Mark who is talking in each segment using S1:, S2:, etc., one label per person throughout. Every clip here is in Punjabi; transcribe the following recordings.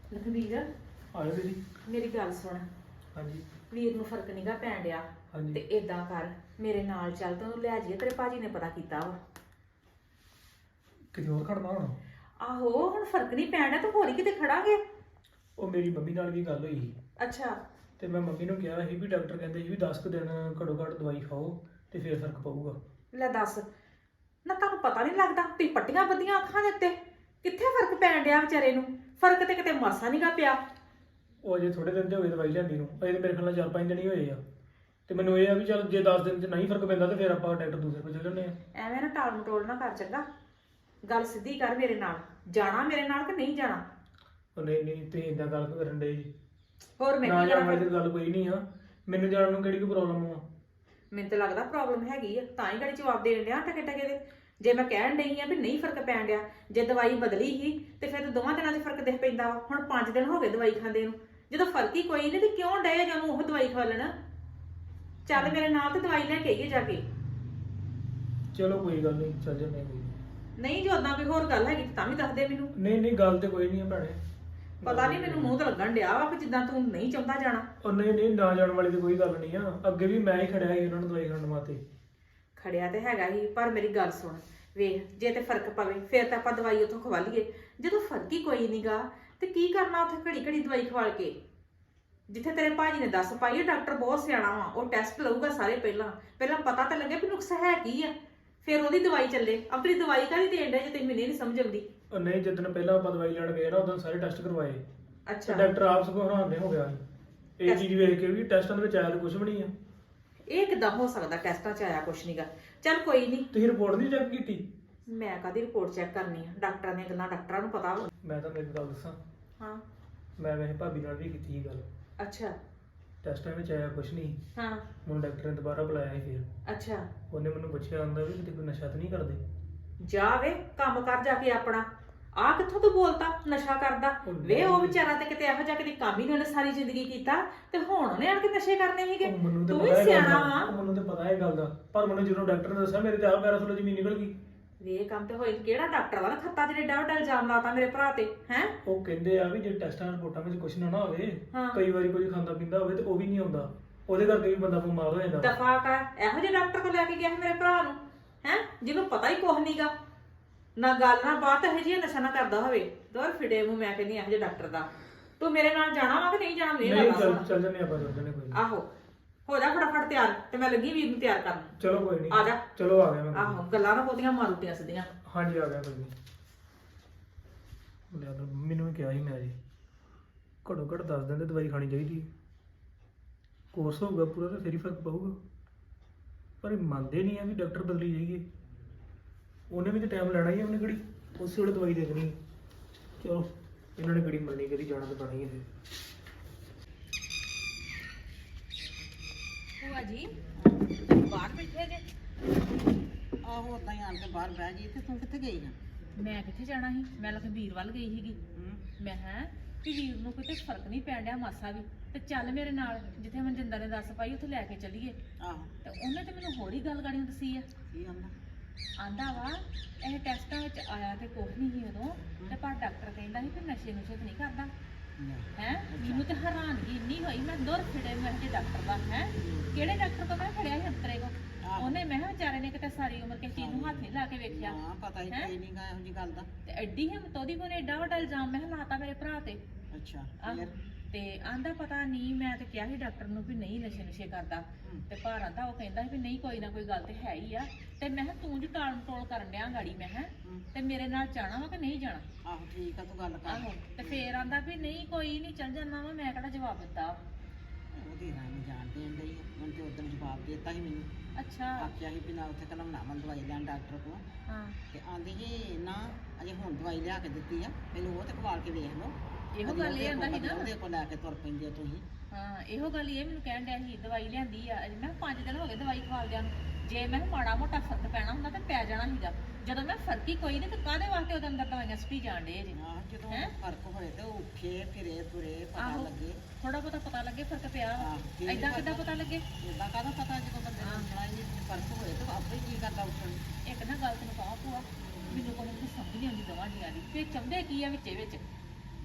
S1: ਲਖਬੀਰ
S2: ਆਇਓ ਦੀਦੀ।
S1: ਮੇਰੀ ਗੱਲ ਸੁਣ।
S2: ਹਾਂਜੀ
S1: ਵੀਰ ਨੂੰ ਫਰਕ ਨਹੀਂਗਾ ਪੈਣ ਡਿਆ ਤੇ
S2: ਹਾਂਜੀ।
S1: ਏਦਾਂ ਕਰ ਮੇਰੇ ਨਾਲ ਚੱਲ ਤੈਨੂੰ ਲੈ ਜਾਈਏ, ਤੇਰੇ ਭਾਜੀ ਨੇ ਪਤਾ ਕੀਤਾ ਵਾ।
S2: ਕਿਤੇ ਹੋਰ ਖੜਨਾ ਹੁਣ?
S1: ਆਹੋ ਹੁਣ ਫਰਕ ਨਹੀਂ ਪੈਣ ਡਿਆ, ਤੂੰ ਹੋਰ ਹੀ ਕਿਤੇ ਖੜਾਂਗੇ।
S2: ਉਹ ਮੇਰੀ ਮੰਮੀ ਨਾਲ ਵੀ ਗੱਲ ਹੋਈ ਸੀ
S1: ਅੱਛਾ
S2: ਤੇ ਮੈਂ ਮੰਮੀ ਨੂੰ ਕਿਹਾ ਸੀ ਵੀ ਡਾਕਟਰ ਕਹਿੰਦੇ ਸੀ ਵੀ 10 ਕੁ ਦਿਨ ਘੱਟੋ ਘੱਟ ਦਵਾਈ ਖਾਓ ਤੇ ਫੇਰ ਫਰਕ ਪਊਗਾ।
S1: ਲੈ ਦੱਸ ਨਾ, ਤੁਹਾਨੂੰ ਪਤਾ ਨਹੀਂ ਲੱਗਦਾ ਤੁਸੀਂ ਪੱਟੀਆਂ ਬੱਧੀਆਂ ਅੱਖਾਂ ਦੇ ਉੱਤੇ, ਕਿੱਥੇ ਫਰਕ ਪੈਣ ਡਿਆ ਵਿਚਾਰੇ ਨੂੰ? ਫਰਕ ਤੇ ਕਿਤੇ ਮਾਸਾ ਨਹੀਂਗਾ ਪਿਆ।
S2: ਉਹ ਅਜੇ ਥੋੜੇ ਦਿਨ ਤੇ ਹੋਏ ਦਵਾਈ ਲੈਂਦੀ ਨੂੰ, ਅਜੇ ਤਾਂ ਮੇਰੇ ਖਿਆਲ ਨਾਲ 4-5 ਦਿਨ ਹੀ ਹੋਏ ਆ। ਤੇ ਮੈਨੂੰ ਇਹ ਆ ਵੀ ਚੱਲ ਜੇ 10 ਦਿਨ 'ਚ ਨਹੀਂ ਫਰਕ ਪੈਂਦਾ ਤੇ ਫਿਰ ਆਪਾਂ ਡਾਕਟਰ ਦੂਸਰੇ ਕੋਲ ਚੱਲ ਜਾਂਦੇ ਆ।
S1: ਐਵੇਂ ਨਾ ਟਾਲ ਮਟੋਲ ਨਾ ਕਰ, ਚੰਗਾ? ਗੱਲ ਸਿੱਧੀ ਕਰ, ਮੇਰੇ ਨਾਲ ਜਾਣਾ ਮੇਰੇ ਨਾਲ ਕਿ ਨਹੀਂ ਜਾਣਾ?
S2: ਉਹ ਨਹੀਂ ਨਹੀਂ, ਤੁਸੀਂ ਏਦਾਂ ਗੱਲ ਕਰਨ ਦੇ ਜੀ।
S1: ਹੋਰ ਮੈਂ
S2: ਨਾ
S1: ਕੀ
S2: ਜਾਣ
S1: ਕਰਾਂ
S2: ਵਾਲੀ
S1: ਫਿਰ?
S2: ਤਾਂ ਗੱਲ ਕੋਈ ਨਹੀਂ ਆ, ਮੈਨੂੰ ਜਾਣ ਨੂੰ ਕਿਹੜੀ ਕੋਈ ਪ੍ਰੋਬਲਮ ਆ?
S1: ਮੈਨੂੰ ਤਾਂ ਲੱਗਦਾ ਪ੍ਰੋਬਲਮ ਹੈਗੀ ਆ, ਤਾਂ ਹੀ ਗੜੀ ਜਵਾਬ ਦੇਣ ਡਿਆ ਟਕੇ ਟਕੇ ਦੇ। ਜੇ ਮੈਂ ਕਹਿਣ ਡਈ ਆ ਵੀ ਨਹੀਂ ਫਰਕ ਪੈਣ ਡਿਆ, ਜੇ ਦਵਾਈ ਬਦਲੀ ਹੀ ਤੇ ਫਿਰ ਤਾਂ ਦੋਵਾਂ ਦਿਨਾਂ 'ਚ ਫਰਕ ਦਿਖ ਪੈਂਦਾ ਵਾ। ਹੁਣ 5 ਦਿਨ ਹੋ ਗਏ ਦਵਾਈ ਖਾਂਦੇ ਨੂੰ, ਜਦੋਂ ਫਰਕ ਹੀ ਕੋਈ ਨਹੀਂ ਤੇ ਕਿਉਂ ਡਏ ਜਾਂ ਉਹ ਦਵਾਈ ਖਾ ਲੈਣਾ? ਚੱਲ ਮੇਰੇ ਨਾਲ ਤੇ ਦਵਾਈ ਲੈ ਕੇ ਆਈਏ ਜਾ ਕੇ।
S2: ਚਲੋ ਕੋਈ ਗੱਲ ਨਹੀਂ, ਚੱਲ ਜਾਂਦੇ ਆ ਕੋਈ ਨੀ।
S1: ਨਹੀਂ ਜੇ ਉਦਾਂ ਕੋਈ ਹੋਰ ਗੱਲ ਹੈਗੀ ਤਾਂ ਵੀ ਦੱਸ ਦੇ ਮੈਨੂੰ।
S2: ਨਹੀਂ ਨਹੀਂ, ਗੱਲ ਤੇ ਕੋਈ ਨਹੀਂ ਆ ਭੈਣੇ।
S1: ਪਤਾ ਨਹੀਂ ਮੈਨੂੰ ਮੂੰਹ ਤੇ ਲੱਗਣ ਡਿਆ ਵਾ ਕਿ ਜਿੱਦਾਂ ਤੂੰ ਨਹੀਂ ਚਾਹੁੰਦਾ ਜਾਣਾ।
S2: ਉਹ ਨਹੀਂ ਨਹੀਂ, ਨਾ ਜਾਣ ਵਾਲੀ ਤੇ ਕੋਈ ਗੱਲ ਨਹੀਂ ਆ। ਅੱਗੇ ਵੀ ਮੈਂ ਹੀ ਖੜਿਆ ਸੀ ਉਹਨਾਂ ਨੂੰ ਦਵਾਈ ਖਾਣ ਵਾਸਤੇ।
S1: ਖੜਿਆ ਤੇ ਹੈਗਾ ਹੀ, ਪਰ ਮੇਰੀ ਗੱਲ ਸੁਣ ਵੇਖ, ਜੇ ਤੇ ਫਰਕ ਪਵੇ ਫਿਰ ਤਾਂ ਆਪਾਂ ਦਵਾਈ ਉੱਥੋਂ ਖਵਾ ਲਈਏ। ਜਦੋਂ ਫਰਕ ਹੀ ਕੋਈ ਨਹੀਂਗਾ ਤੇ ਕੀ ਕਰਨਾ ਉੱਥੇ ਘੜੀ ਘੜੀ ਦਵਾਈ ਖਵਾਲ ਕੇ? ਜਿੱਥੇ ਤੇਰੇ ਭਾਜੀ ਨੇ ਦੱਸ ਪਾਈ, ਡਾਕਟਰ ਬਹੁਤ ਸਿਆਣਾ ਵਾ, ਉਹ ਟੈਸਟ ਲਊਗਾ ਸਾਰੇ। ਪਹਿਲਾਂ ਪਹਿਲਾਂ ਪਤਾ ਤਾਂ ਲੱਗੇ ਵੀ ਨੁਕਸ ਹੈ ਕੀ ਆ, ਫਿਰ ਉਹਦੀ ਦਵਾਈ ਚੱਲੇ। ਆਪਣੀ ਦਵਾਈ ਕਾਹਦੀ ਦੇਣ ਡੇ ਜੇ ਤੈਨੂੰ ਮੈਨੂੰ ਨਹੀਂ ਸਮਝ ਆਉਂਦੀ।
S2: ਉਹ ਨਹੀਂ, ਜਿੱਦਣ ਪਹਿਲਾਂ ਆਪਾਂ ਦਵਾਈ ਲੈਣ ਗਏ ਨਾ ਉਦੋਂ ਸਾਰੇ ਟੈਸਟ ਕਰਵਾਏ ਤੇ
S1: ਅੱਛਾ
S2: ਡਾਕਟਰ ਆਪ ਸਗੋਂ ਹੈਰਾਨ ਹੋ ਗਿਆ ਸੀ ਇਹ ਚੀਜ਼ ਵੇਖ ਕੇ ਵੀ ਟੈਸਟਾਂ ਦੇ ਵਿੱਚ ਆਇਆ ਤਾਂ ਕੁਝ ਵੀ ਨਹੀਂ ਆ।
S1: ਇਹ ਕਿੱਦਾਂ ਹੋ ਸਕਦਾ? ਟੈਸਟਾਂ 'ਚ ਆਇਆ ਕੁਛ ਨਹੀਂਗਾ। ਚੱਲ ਕੋਈ ਨਹੀਂ,
S2: ਤੁਸੀਂ ਰਿਪੋਰਟ ਨਹੀਂ ਚੈੱਕ ਕੀਤੀ?
S1: ਮੈਂ ਕਾਹਦੀ ਰਿਪੋਰਟ ਚੈੱਕ ਕਰਨੀ ਆ? ਡਾਕਟਰਾਂ ਦੀਆਂ ਗੱਲਾਂ ਡਾਕਟਰਾਂ ਨੂੰ ਪਤਾ ਵਾ।
S2: ਮੈਂ ਤੁਹਾਨੂੰ ਇੱਕ ਗੱਲ ਦੱਸਾਂ,
S1: ਹਾਂ
S2: ਮੈਂ ਵੈਸੇ ਭਾਬੀ ਨਾਲ ਵੀ ਕੀਤੀ ਸੀ ਗੱਲ।
S1: ਅੱਛਾ
S2: ਟੈਸਟਾਂ ਵਿੱਚ ਆਇਆ ਕੁਝ ਨਹੀਂ।
S1: ਹਾਂ
S2: ਮੈਨੂੰ ਡਾਕਟਰ ਨੇ ਦੁਬਾਰਾ ਬੁਲਾਇਆ ਸੀ ਫਿਰ।
S1: ਅੱਛਾ
S2: ਉਹਨੇ ਮੈਨੂੰ ਪੁੱਛਿਆ ਆਂਦਾ ਵੀ ਕਿਤੇ ਕੋਈ ਨਸ਼ਾ ਤਾਂ ਨਹੀਂ ਕਰਦੇ?
S1: ਜਾ ਵੇ ਕੰਮ ਕਰ ਜਾ ਕੇ ਆਪਣਾ। ਆ ਕਿੱਥੋਂ ਤੂੰ ਬੋਲਤਾ ਨਸ਼ਾ ਕਰਦਾ? ਵੇ ਉਹ ਵਿਚਾਰਾ ਤੇ ਕਿਤੇ ਇਹੋ ਜਿਹਾ ਕਦੀ ਕੰਮ ਹੀ ਨਹੀਂ ਉਹਨੇ ਸਾਰੀ ਜ਼ਿੰਦਗੀ ਕੀਤਾ, ਤੇ ਹੁਣ ਉਹਨੇ ਆਣ ਕੇ ਨਸ਼ੇ ਕਰਨੇ ਸੀਗੇ।
S2: ਉਹ ਮੈਨੂੰ ਤਾਂ
S1: ਤੂੰ ਵੀ
S2: ਪਤਾ ਇਹ ਗੱਲ
S1: ਸਿਆਣਾ
S2: ਦਾ,
S1: ਵਾ।
S2: ਉਹ ਮੈਨੂੰ ਤਾਂ ਪਤਾ ਇਹ ਗੱਲ ਦਾ, ਪਰ ਮੈਨੂੰ ਜਦੋਂ ਡਾਕਟਰ ਨੇ ਦੱਸਿਆ ਮੇਰੇ ਤੇ ਆਪ ਪੈਰਾਂ ਥੱਲੋਂ ਜ਼ਮੀਨ ਨਿਕਲ ਗਈ।
S1: ਵੇ ਕੰਮ ਤੇ ਹੋਏ ਕਿਹੜਾ ਡਾਕਟਰ ਵਾ ਖੱਤਾ ਜਿਹੜੇ ਡਾ ਇਲਜ਼ਾਮ ਲਾਤਾ ਮੇਰੇ ਭਰਾ ਤੇ ਹੈ?
S2: ਉਹ ਕਹਿੰਦੇ ਆ ਵੀ ਜੇ ਟੈਸਟਾਂ ਰਿਪੋਰਟਾਂ ਵਿੱਚ ਕੁਝ ਨਾ ਹੋਵੇ,
S1: ਹਾਂ।
S2: ਕਈ ਵਾਰੀ ਕੁਝ ਖਾਂਦਾ ਪੀਂਦਾ ਹੋਵੇ ਤੇ ਉਹ ਵੀ ਨਹੀਂ ਆਉਂਦਾ, ਉਹਦੇ ਕਰਕੇ ਵੀ ਬੰਦਾ ਬਿਮਾਰ ਹੋ ਜਾਂਦਾ।
S1: ਦਫਾ ਕਰ, ਇਹੋ ਜਿਹੇ ਡਾਕਟਰ ਕੋਲ ਲੈ ਕੇ ਗਿਆ ਸੀ ਮੇਰੇ ਭਰਾ ਨੂੰ ਹੈ, ਜਿਹਨੂੰ ਪਤਾ ਹੀ ਕੁਛ ਨਹੀਂਗਾ, ਨਾ ਗੱਲ ਨਾ ਬਾਤ, ਇਹੋ ਜਿਹੀ ਨਸ਼ਾ ਨਾ ਕਰਦਾ ਹੋਵੇ। ਦੋਰ ਫਿੜੇ ਮੂੰਹ ਮੈਂ ਕਹਿੰਦੀ ਇਹੋ ਜਿਹੇ ਡਾਕਟਰ ਦਾ। ਤੂੰ ਮੇਰੇ ਨਾਲ ਜਾਣਾ ਵਾ ਕਿ ਨਹੀਂ ਜਾਣਾ? ਮੇਰੇ
S2: ਨਹੀਂ,
S1: ਨਾਲ
S2: ਚੱਲ ਜੰਨੇ ਆਪਾਂ, ਚੱਲ ਜੰਨੇ ਕੋਈ ਨੀ।
S1: ਆਹੋ ਹੋ ਜਾ ਫਟਾਫਟ ਤਿਆਰ, ਤੇ ਮੈਂ ਲੱਗੀ ਵੀਰ ਨੂੰ ਤਿਆਰ ਕਰਨ।
S2: ਚਲੋ ਕੋਈ ਨਹੀਂ,
S1: ਆ ਜਾ।
S2: ਚਲੋ ਆ ਗਿਆ ਮੈਂ।
S1: ਆਹੋ ਗੱਲਾਂ ਨਾ ਬਹੁਤੀਆਂ ਮਾਰੂਤੀਆਂ ਸਿੱਧੀਆਂ।
S2: ਹਾਂਜੀ ਆ ਗਿਆ ਕੋਈ ਨਹੀਂ। ਮੈਨੂੰ ਵੀ ਕਿਹਾ ਸੀ ਮੈਂ ਜੀ ਘੱਟੋ ਘੱਟ 10 ਦਿਨ ਦੀ ਦਵਾਈ ਖਾਣੀ ਚਾਹੀਦੀ ਹੈ। ਕੋਰਸ ਹੋਊਗਾ ਪੂਰਾ ਤਾਂ ਫਿਰ ਹੀ ਫਰਕ ਪਊਗਾ, ਪਰ ਇਹ ਮੰਨਦੇ ਨਹੀਂ ਆ ਵੀ ਡਾਕਟਰ ਬਦਲੀ ਜਾਈਏ। ਉਹਨੇ ਵੀ ਤਾਂ ਟਾਈਮ ਲੈਣਾ ਹੀ ਆ, ਉਹਨੇ ਕਿਹੜੀ ਉਸੇ ਵੇਲੇ ਦਵਾਈ ਦੇ ਦੇਣੀ। ਚਲੋ ਇਹਨਾਂ ਨੇ ਕਿਹੜੀ ਮੰਨਣੀ, ਕਦੀ ਜਾਣਾ ਤਾਂ ਪੈਣਾ ਹੀ ਹੈ ਫਿਰ।
S1: ਭੂਆ ਜੀ ਬਾਹਰ ਬੈਠੇ ਜੇ?
S3: ਆਹੋ ਉਦਾਂ ਹੀ ਆਣ ਕੇ ਬਾਹਰ ਬਹਿ ਗਈ ਤੇ ਤੂੰ ਕਿੱਥੇ ਗਈ ਆ?
S1: ਮੈਂ ਕਿੱਥੇ ਜਾਣਾ ਸੀ? ਮੈਂ ਲਖਬੀਰ ਵੱਲ ਗਈ ਸੀਗੀ। ਮੈਂ ਕਿ ਵੀਰ ਨੂੰ ਕੋਈ ਤੇ ਫਰਕ ਨਹੀਂ ਪੈਣ ਡਿਆ ਮਾਸਾ ਵੀ, ਤੇ ਚੱਲ ਮੇਰੇ ਨਾਲ, ਜਿੱਥੇ ਮਨਜਿੰਦਰ ਨੇ ਦੱਸ ਪਾਈ ਉੱਥੇ ਲੈ ਕੇ ਚੱਲੀਏ।
S3: ਆਹੋ
S1: ਤੇ ਉਹਨੇ ਤੇ ਮੈਨੂੰ ਹੋਰ ਹੀ ਗੱਲ ਗਾੜੀਆਂ ਦੱਸੀ ਆ।
S3: ਕੀ ਆਂਦਾ?
S1: ਆਂਦਾ ਵਾ ਇਹ ਟੈਸਟਾਂ ਵਿੱਚ ਆਇਆ ਤੇ ਕੁਛ ਨਹੀਂ ਸੀ ਉਦੋਂ, ਤੇ ਪਰ ਡਾਕਟਰ ਕਹਿੰਦਾ ਸੀ ਕਿ ਨਸ਼ੇ ਨੁਸ਼ੇ ਤੇ ਨਹੀਂ ਕਰਦਾ ਹੈ। ਮੈਨੂੰ ਤੇ ਹੈਰਾਨਗੀ ਇੰਨੀ ਹੋਈ, ਮੈਂ ਦੁਰ ਫਿੜੇ ਮੈਂ ਕਿ ਡਾਕਟਰ ਦਾ ਹੈ ਕਿਹੜੇ ਡਾਕਟਰ ਤੋਂ ਮੈਂ ਫੜਿਆ ਸੀ ਅੰਤਰੇ ਕੋ। ਉਹਨੇ ਮੈਂ ਕਿਹਾ ਵਿਚਾਰੇ ਨੇ ਕਿਤੇ ਸਾਰੀ ਉਮਰ ਕਿਸੇ ਚੀਜ਼ ਨੂੰ ਹੱਥ ਨਹੀਂ ਲਾ ਕੇ ਵੇਖਿਆ।
S3: ਹਾਂ ਪਤਾ ਹੀ ਕੋਈ ਨਹੀਂ ਗਾ ਇਹੋ ਜੀ ਗੱਲ ਦਾ।
S1: ਤੇ ਐਡੀ ਹਿੰਮਤ ਉਹਦੀ ਕੋਨੇ, ਏਡਾ ਵੱਡਾ ਇਲਜ਼ਾਮ ਮੈਂ ਕਿਹਾ ਲਾਤਾ ਮੇਰੇ ਭਰਾ ਤੇ।
S3: ਅੱਛਾ
S1: ਆਹ,
S3: ਫਿਰ?
S1: ਤੇ ਆਂਦਾ ਪਤਾ ਨਹੀਂ, ਮੈਂ ਤੇ ਕਿਹਾ ਸੀ ਡਾਕਟਰ ਨੂੰ ਵੀ ਨਹੀਂ ਨਸ਼ੇ ਨੁਸ਼ੇ ਕਰਦਾ, ਤੇ ਪਰ ਆਂਦਾ ਉਹ ਕਹਿੰਦਾ ਵੀ ਨਹੀਂ ਕੋਈ ਨਾ ਕੋਈ ਗੱਲ ਤੇ ਹੈ ਹੀ ਆ। ਤੇ ਮੈਂ ਕਿਹਾ ਤੂੰ ਜੀ ਟਾਲ ਟੋਲ ਕਰਨ ਡਿਆ ਗਾੜੀ, ਮੈਂ ਕਿਹਾ ਤੇ ਮੇਰੇ ਨਾਲ ਜਾਣਾ ਵਾ ਕਿ ਨਹੀਂ ਜਾਣਾ?
S3: ਆਹੋ ਠੀਕ ਆ, ਤੂੰ ਗੱਲ ਕਰ।
S1: ਆਹੋ ਤੇ ਫੇਰ ਆਂਦਾ ਵੀ ਨਹੀਂ ਕੋਈ ਨਹੀਂ ਚੱਲ ਜਾਣਾ ਵਾ। ਮੈਂ ਕਿਹੜਾ ਜਵਾਬ ਦਿੱਤਾ?
S3: ਉਹਦੀ ਰਾਮ ਜਾਣ ਦੇਣ ਡਈ ਆ। ਮੈਨੂੰ ਤੇ ਉਦੋਂ ਜਵਾਬ ਦੇ ਦਿੱਤਾ ਸੀ ਮੈਨੂੰ।
S1: ਅੱਛਾ
S3: ਆਖਿਆ ਸੀ ਵੀ ਨਾ ਉੱਥੇ ਘਲਾਉਣਾ ਵਾ ਦਵਾਈ ਲੈਣ ਡਾਕਟਰ ਕੋਲ।
S1: ਹਾਂ
S3: ਤੇ ਆਂਦੀ ਸੀ ਨਾ ਅਜੇ ਹੁਣ ਦਵਾਈ ਲਿਆ ਕੇ ਦਿੱਤੀ ਆ, ਪਹਿਲਾਂ ਉਹ ਤੇ ਖਵਾਲ ਕੇ ਵੇਖ ਲਓ।
S1: ਇਹੋ ਗੱਲ ਇਹ ਆਂਦਾ ਸੀ ਨਾ।
S3: ਉਹਦੇ ਕੋਲ ਲੈ ਕੇ ਤੁਰ ਪੈਂਦੇ ਤੁਸੀਂ।
S1: ਹਾਂ ਇਹੋ ਗੱਲ ਇਹ ਮੈਨੂੰ ਕਹਿਣ ਡਿਆ ਸੀ ਦਵਾਈ ਲਿਆਂਦੀ ਆ। ਅਜੇ ਮੈਂ 5 ਦਿਨ ਹੋ ਗਏ ਦਵਾਈ ਖਵਾਲਦਿਆਂ ਨੂੰ। ਜੇ ਮੈਂ ਮਾੜਾ ਮੋਟਾ ਫਰਕ ਪੈਣਾ ਹੁੰਦਾ ਤੇ ਪੈ ਜਾਣਾ ਸੀਗਾ। ਜਦੋਂ ਮੈਂ ਫਰਕ ਹੀ ਕੋਈ ਨਹੀਂ ਤੇ ਕਾਹਦੇ ਵਾਸਤੇ ਉਹਦੇ ਅੰਦਰ ਦਵਾਈਆਂ ਸੁੱਟੀ ਜਾਣ ਡੇ ਜੀ?
S3: ਆਹ ਜਦੋਂ
S1: ਹੈਂ?
S3: ਫਰਕ ਹੋਏ ਤੇ ਉਹ ਉੱਠੇ ਫਿਰੇ ਤੁਰੇ ਪਤਾ
S1: ਆਹੋ।
S3: ਲੱਗੇ।
S1: ਥੋੜਾ ਬਹੁਤਾ ਪਤਾ ਲੱਗੇ ਫਰਕ ਪਿਆ ਵਾ।
S3: ਆਹ, ਠੀਕ
S1: ਏਦਾਂ
S3: ਫਰਕ।
S1: ਕਿੱਦਾਂ ਪਤਾ ਲੱਗੇ?
S3: ਇਦਾਂ ਕਾਹਦਾ ਪਤਾ ਜਦੋਂ ਬੰਦੇ ਨੂੰ ਸੁਣਾ ਹੀ ਨਹੀਂ ਫਰਕ ਹੋਏ ਤੇ ਆਪੇ ਹੀ ਕੀ ਕਰਦਾ ਉੱਠਣ ਨੂੰ।
S1: ਇੱਕ ਨਾ ਗੱਲ ਤੈਨੂੰ ਕਹਾਂ ਭੂਆ, ਮੈਨੂੰ ਕੋਈ ਸਮਝ ਨਹੀਂ ਆਉਂਦੀ ਦਵਾਂ ਜੀਆਂ ਦੀ। ਫੇਰ ਚਾਹੁੰਦੇ ਕੀ ਆ ਵਿੱਚੇ ਵਿੱਚ?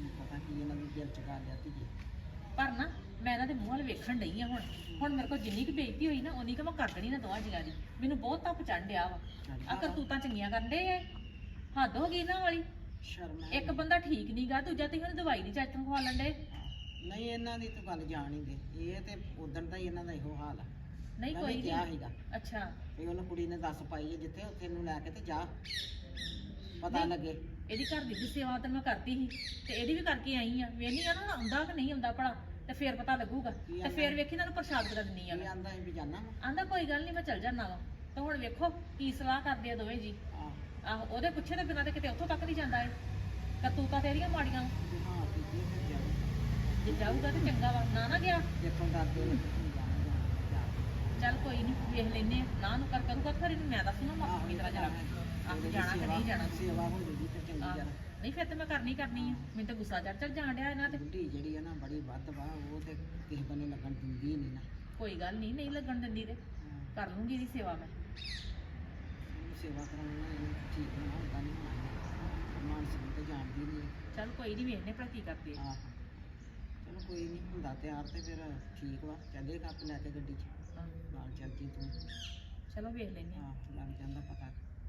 S3: ਕੀ ਪਤਾ ਕੀ ਇਹਨਾਂ ਦੇ ਦਿਲ 'ਚ ਗੱਲ ਆ ਧੀਏ।
S1: ਪਰ ਨਾ ਮੈਂ ਇਹਨਾਂ ਦੇ ਮੂੰਹ ਵੱਲ ਵੇਖਣ ਡਈ ਆ ਹੁਣ ਮੇਰੇ ਕੋਲ ਜਿੰਨੀ ਕੁ ਬੇਇੱਜ਼ਤੀ ਹੋਈ ਨਾ ਉਨੀ ਕੁ ਮੈਂ ਕਰ ਦੇਣੀ ਨਾ ਦੋਵਾਂ ਜੀਆਂ ਦੀ। ਮੈਨੂੰ ਬਹੁਤ ਧੱਪ ਚੜ੍ਹ ਡਿਆ ਵਾ। ਆ ਕਰਤੂਤਾਂ ਚੰਗੀਆਂ ਕਰਨ ਡੇ ਐ, ਹੱਦ ਹੋ ਗਈ ਇਹਨਾਂ ਵਾਲੀ।
S3: ਸ਼ਰਮ ਹੈ।
S1: ਇੱਕ ਬੰਦਾ ਠੀਕ ਨੀ ਗਾ, ਦੂਜਾ ਤੁਸੀਂ ਉਹਨੂੰ ਦਵਾਈ ਨਹੀਂ ਚੱਜ ਤੋਂ ਖਵਾ ਲੈਂਦੇ।
S3: ਨਹੀਂ ਇਹਨਾਂ ਦੀ ਤਾਂ ਗੱਲ ਜਾਣ ਹੀ ਦੇ, ਇਹ ਤੇ ਉਦਣ ਦਾ ਹੀ ਇਹਨਾਂ ਦਾ ਇਹੋ ਹਾਲ ਆ।
S1: ਨਹੀਂ
S3: ਮੈਂ
S1: ਕੋਈ
S3: ਵੀ
S1: ਨਹੀਂ।
S3: ਕਿਹਾ ਸੀਗਾ
S1: ਅੱਛਾ
S3: ਵੀ ਉਹਨੂੰ ਕੁੜੀ ਨੇ ਦੱਸ ਪਾਈ ਹੈ ਜਿੱਥੇ ਉੱਥੇ ਇਹਨੂੰ ਲੈ ਕੇ ਤੇ ਜਾ, ਪਤਾ
S1: ਨਹੀਂ।
S3: ਲੱਗੇ।
S1: ਇਹਦੀ ਘਰ ਦੀ ਸੇਵਾ ਤਾਂ ਮੈਂ ਕਰਤੀ ਸੀ ਤੇ ਇਹਦੀ ਵੀ ਕਰਕੇ ਆਈ ਆ। ਵੇਖਣੀ ਆ ਨਾ ਆਉਂਦਾ ਕਿ ਨਹੀਂ ਆਉਂਦਾ ਭਲਾ, ਤੇ ਫੇਰ ਪਤਾ ਲੱਗੂਗਾ। ਤੇ ਫੇਰ ਵੇਖੀ ਇਹਨਾਂ ਨੂੰ ਪ੍ਰਸ਼ਾਦ ਕਰਾ ਦਿੰਨੀ ਆ।
S3: ਇਹ ਆਂਦਾ ਇਹ ਵੀ ਜਾਣਾ ਵਾ।
S1: ਆਂਦਾ ਕੋਈ ਗੱਲ ਨਹੀਂ ਮੈਂ ਚੱਲ ਜਾਣਾ ਵਾ। ਤੇ ਹੁਣ ਵੇਖੋ ਕੀ ਸਲਾਹ ਕਰਦੇ ਆ ਦੋਵੇਂ ਜੀ। ਆਹੋ ਉਹਦੇ ਪੁੱਛੇ ਦੇ ਬਿਨਾਂ ਤੇ ਕਿਤੇ ਉੱਥੋਂ ਤੱਕ ਨਹੀਂ ਜਾਂਦਾ ਏ। ਕਰਤੂਤਾਂ ਤੇਰੀਆਂ ਮਾੜੀਆਂ।
S3: ਹਾਂ ਠੀਕ ਹੈ ਫਿਰ
S1: ਜੇ ਜਾਊਗਾ ਤੇ ਚੰਗਾ ਵਾ, ਨਾ ਗਿਆ
S3: ਦੇਖੋ ਡਰਦੇ ਨੇ
S1: ਚੱਲ ਕੋਈ ਨਹੀਂ ਵੇਖ ਲੈਨੇ ਆ। ਨਾ ਨੂੰ ਕਰੂਗਾ ਫਿਰ ਇਹਨੂੰ ਮੈਂ ਦੱਸੂਗਾ ਮਾਪਾ ਕੀ ਤਰ੍ਹਾਂ ਜਾਣਾ। ਆਹ ਜਾਣਾ ਕਿ ਨਹੀਂ ਜਾਣਾ।
S3: ਸੇਵਾ ਹੋ ਜੂਗੀ ਤੇ ਚੰਗੀ
S1: ਆਹ,
S3: ਜਰਾ।
S1: ਨਹੀਂ ਫਿਰ ਤੇ ਮੈਂ ਕਰਨੀ ਆ। ਮੈਨੂੰ ਤਾਂ ਗੁੱਸਾ ਚੜ ਜਾਣ ਡਿਆ ਇਹਨਾਂ ਤੇ।
S3: ਬੁੱਢੀ ਜਿਹੜੀ ਆ ਨਾ ਬੜੀ ਵੱਧ ਵਾ, ਉਹ ਤੇ ਕਿਸੇ ਬੰਨੇ ਲੱਗਣ ਦਿੰਦੀ ਨਹੀਂ ਨਾ।
S1: ਕੋਈ ਗੱਲ ਨਹੀਂ ਲੱਗਣ ਦਿੰਦੀ ਤੇ ਕਰ ਲੂੰਗੀ ਇਹਦੀ ਸੇਵਾ ਮੈਂ।
S3: ਉਹਨੂੰ ਸੇਵਾ ਕਰਾਉਣਾ ਇਹ ਠੀਕ ਨਾ ਹੁੰਦਾ ਨਹੀਂ ਮਾਨਸ ਨੂੰ ਤੇ ਜਾਣਦੀ ਨਹੀਂ।
S1: ਚੱਲ ਕੋਈ ਨਹੀਂ ਵੇਖਨੇ ਭਲਾ ਕੀ ਕਰਦੇ ਆ।
S3: ਆਹ ਚਲੋ ਕੋਈ ਨਹੀਂ ਹੁੰਦਾ ਤਿਆਰ ਤੇ ਫਿਰ ਠੀਕ ਵਾ, ਚੱਲੇਗਾ ਆਪ ਲੈ ਕੇ ਗੱਡੀ 'ਚ
S1: ਹਾਂ,
S3: ਨਾਲ ਚੱਲ ਜੀ ਤੂੰ।
S1: ਚਲੋ ਵੇਖ ਲੈਨੇ ਆ।
S3: ਆਹ ਲੱਗ ਜਾਂਦਾ ਪਤਾ।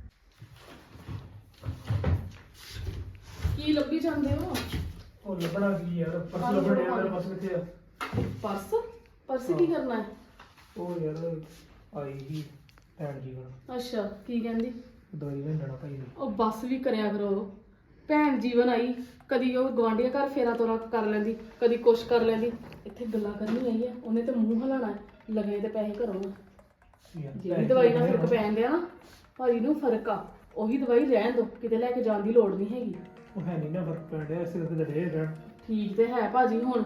S4: ਕੀ ਲੱਭੀ ਜਾਂਦੇ ਹੋ?
S2: ਉਹ ਲੱਭਣਾ ਕੀ ਯਾਰ, ਪਰਸ ਲੱਭਣ ਡਿਆ, ਮੇਰਾ ਪਰਸ ਕਿੱਥੇ ਆ?
S4: ਪਰਸ? ਪਰਸ ਕੀ ਕਰਨਾ ਹੈ?
S2: ਉਹ ਯਾਰ ਆਈ ਸੀ ਭੈਣ ਜੀ ਕੋਲ,
S4: ਅੱਛਾ ਕੀ ਕਹਿੰਦੀ?
S2: ਦਵਾਈ ਲੈਣ ਜਾਣਾ ਭਾਈ ਨੇ।
S4: ਉਹ ਬੱਸ ਵੀ ਕਰਿਆ ਕਰੋ। ਭੈਣ ਜੀਵਨ ਆਈ, ਕਦੀ ਉਹ ਗਵਾਂਢੀਆਂ ਘਰ ਫੇਰਾ ਤੋਰਾ ਕਰ ਲੈਂਦੀ, ਕਦੀ ਕੁਛ ਕਰ ਲੈਂਦੀ। ਇੱਥੇ ਗੱਲਾਂ ਕਰਨੀ ਆਈ ਆ, ਉਹਨੇ ਤੇ ਮੂੰਹ ਹਲਾਣਾ ਹੈ, ਲਗੇ ਤੇ ਪੈਸੇ ਘਰੋਂ ਆ। ਜਿਹੜੀ ਦਵਾਈ ਨਾਲ ਫਰਕ ਪੈਣ ਡਿਆ ਨਾ ਭਾਜੀ ਨੂੰ, ਫਰਕ ਆ। ਉਹੀ ਦਵਾਈ ਰਹਿਣ ਦੋ, ਕਿਤੇ ਲੈ ਕੇ ਜਾਣ ਦੀ ਲੋੜ ਨਹੀਂ ਹੈਗੀ।
S2: ਉਹ ਹੈ ਨਹੀਂ ਨਾ ਫਰਕ ਪੈਣ ਡਿਆ, ਇਸੇ ਕਰਕੇ ਡਰੇ ਰਹਿਣ।
S4: ਠੀਕ ਤੇ ਹੈ ਭਾਜੀ। ਹੁਣ